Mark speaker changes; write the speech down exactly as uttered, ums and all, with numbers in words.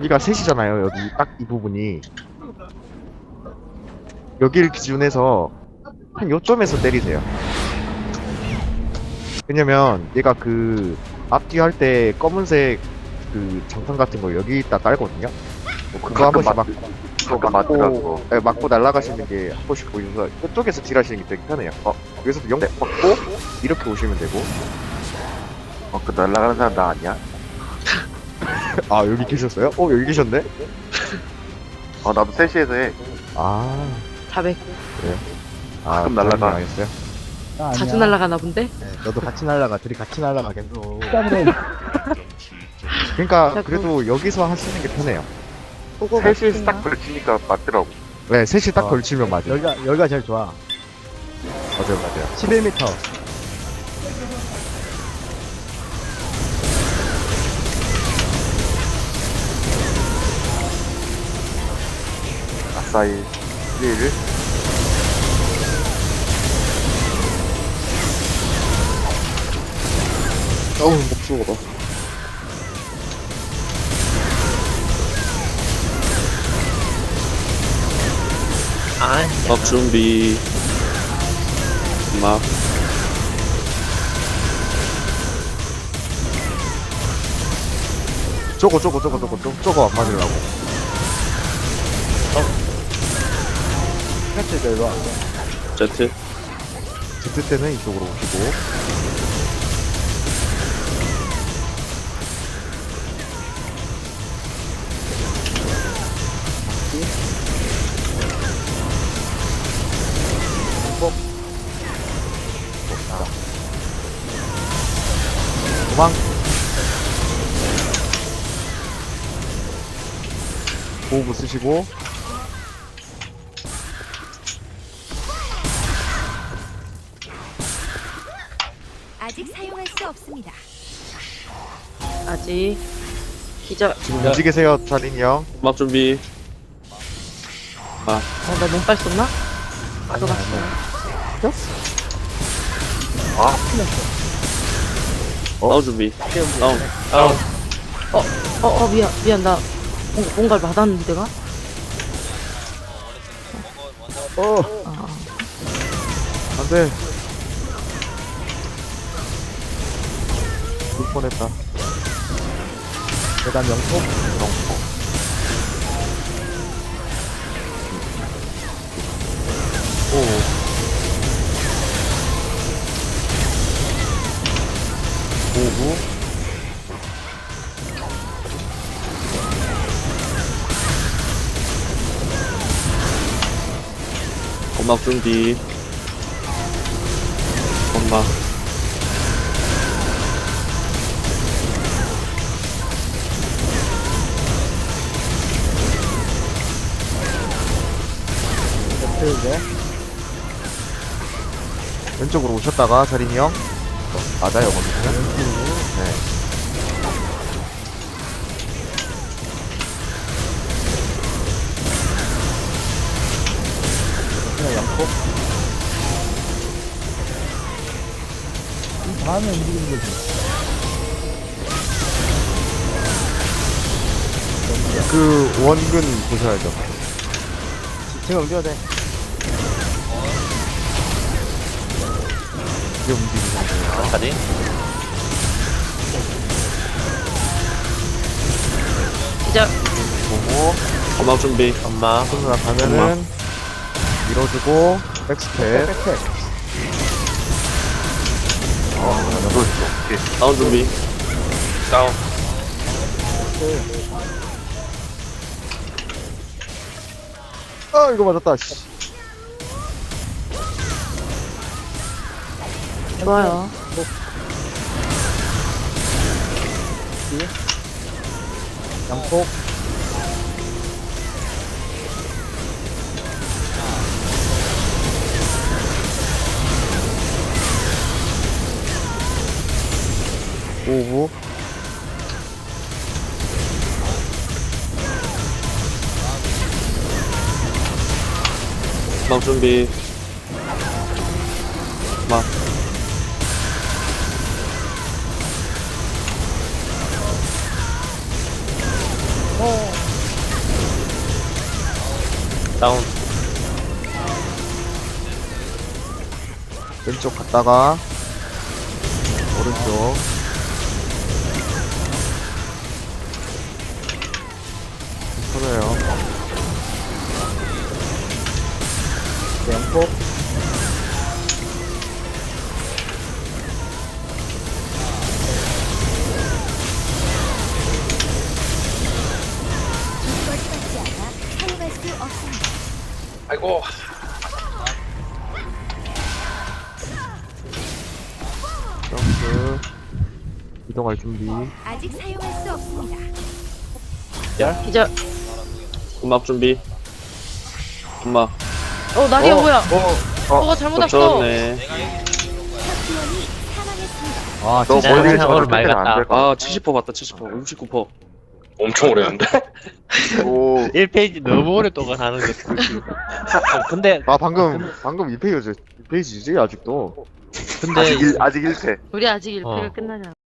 Speaker 1: 여기가 셋이잖아요. 여기 딱 이 부분이. 여기를 기준해서 한 요점에서 때리세요. 왜냐면 얘가 그 앞뒤 할 때 검은색 그 장판 같은 거 여기다 깔거든요. 뭐 그거 한 번씩 막
Speaker 2: 그거
Speaker 1: 맞고,
Speaker 2: 맞더라고.
Speaker 1: 네, 맞고 날아가시는 게 한 번씩 보이면서 이쪽에서 딜하시는 게 되게 편해요. 어, 여기서도 영 맞고 이렇게 오시면 되고.
Speaker 2: 어, 그 날아가는 사람 나 아니야?
Speaker 1: 아 여기 계셨어요? 어 여기 계셨네?
Speaker 2: 어, 나도 셋시에서 해.
Speaker 1: 아,
Speaker 3: 사백.
Speaker 1: 아
Speaker 2: 가끔 날아가.
Speaker 1: 알겠어요.
Speaker 4: 나 아니야.
Speaker 3: 자주 날아가나 본데?
Speaker 1: 네, 너도 같이 날아가, 둘이 같이 날아가 계속.
Speaker 4: 땀으로
Speaker 1: 그러니까
Speaker 3: 자꾸-
Speaker 1: 그래도 여기서 하시는 게 편해요.
Speaker 3: 보고
Speaker 2: 셋시에서
Speaker 3: 갔구나.
Speaker 2: 딱 걸치니까 맞더라고.
Speaker 1: 네, 셋이 딱
Speaker 4: 어.
Speaker 1: 걸치면 맞아요.
Speaker 4: 여기가 여기가 제일 좋아.
Speaker 1: 맞아요, 맞아요.
Speaker 4: 십일 미터.
Speaker 2: 아싸이. 일.
Speaker 1: 어우, 목숨 봐.
Speaker 5: 막 준비. 막
Speaker 1: 저거, 저거, 저거, 저거, 저거, 저거 안 맞으려고.
Speaker 4: 패치 일로 와.
Speaker 5: 제트.
Speaker 1: 제트 때는 이쪽으로 오시고. 도망. 보호부 쓰시고.
Speaker 6: 아직 사용할 수 없습니다.
Speaker 3: 아직 기절.
Speaker 1: 지금
Speaker 5: 야.
Speaker 1: 움직이세요, 자린이 형.
Speaker 5: 막 준비.
Speaker 3: 어, 나 몸빨 썼나? 들어갔어.
Speaker 2: 아,
Speaker 5: 다운 준비. 다운. 다운.
Speaker 3: 어, 어, 미안, 미안. 나 뭔가, 뭔가를 받았는데, 내가?
Speaker 4: 어.
Speaker 3: 아,
Speaker 1: 안 돼. 죽을 뻔했다.
Speaker 4: 계단 영통.
Speaker 1: 오. 보호부.
Speaker 5: 건막 준비. 건막.
Speaker 4: 패치 이제.
Speaker 1: 왼쪽으로 오셨다가 자린이 형. 어, 맞아요, 거기는. 네.
Speaker 4: 그냥 양쪽. 이 다음에 움직이는 거지.
Speaker 1: 그 원근 보셔야죠.
Speaker 4: 제가 옮겨야 돼.
Speaker 1: 이게 움직이는 거예요.
Speaker 5: 자리.
Speaker 3: 기절.
Speaker 1: 보고
Speaker 5: 건막 준비. 엄마.
Speaker 1: 손으로 가면은 밀어주고 백스텝.
Speaker 4: 백팩.
Speaker 2: 이거 있어. 오케이.
Speaker 5: 다운 준비. 다운.
Speaker 1: 아 이거 맞았다. 씨.
Speaker 3: 좋아요.
Speaker 4: 양쪽.
Speaker 1: 오후.
Speaker 5: 건막 준비. 막.
Speaker 4: 어.
Speaker 5: 다운.
Speaker 1: 왼쪽 갔다가 오른쪽. 터져요.
Speaker 4: 네, 양폭.
Speaker 6: 이것받지 않아 사용할 수 없습니다.
Speaker 5: 아이고.
Speaker 1: 점프. 이동할 준비.
Speaker 6: 아직 사용할 수 없습니다.
Speaker 3: 기절.
Speaker 5: 음악 준비. 음악.
Speaker 3: 어, 나리야, 뭐야?
Speaker 2: 어,
Speaker 3: 뭐가 잘못 왔어.
Speaker 5: 졌네.
Speaker 6: 탑지원이 사망했습니다.
Speaker 4: 아,
Speaker 2: 너
Speaker 4: 진짜.
Speaker 2: 머리에
Speaker 7: 오늘
Speaker 2: 저걸
Speaker 7: 말
Speaker 2: 안
Speaker 7: 같다.
Speaker 2: 될 것
Speaker 5: 아, 칠십 퍼센트 봤다, 칠십 퍼센트. 육십구 퍼센트.
Speaker 7: 엄청 오래 한다.
Speaker 2: 같아. 오,
Speaker 7: 일 페이지 너무 오랫동안 하는 거. 어, 근데
Speaker 1: 아 방금 방금 이 페이지 이 페이지지 아직도.
Speaker 7: 근데
Speaker 2: 아직 일, 아직 일 패.
Speaker 3: 우리 아직 일 패를
Speaker 7: 어.
Speaker 3: 끝나지 않았어.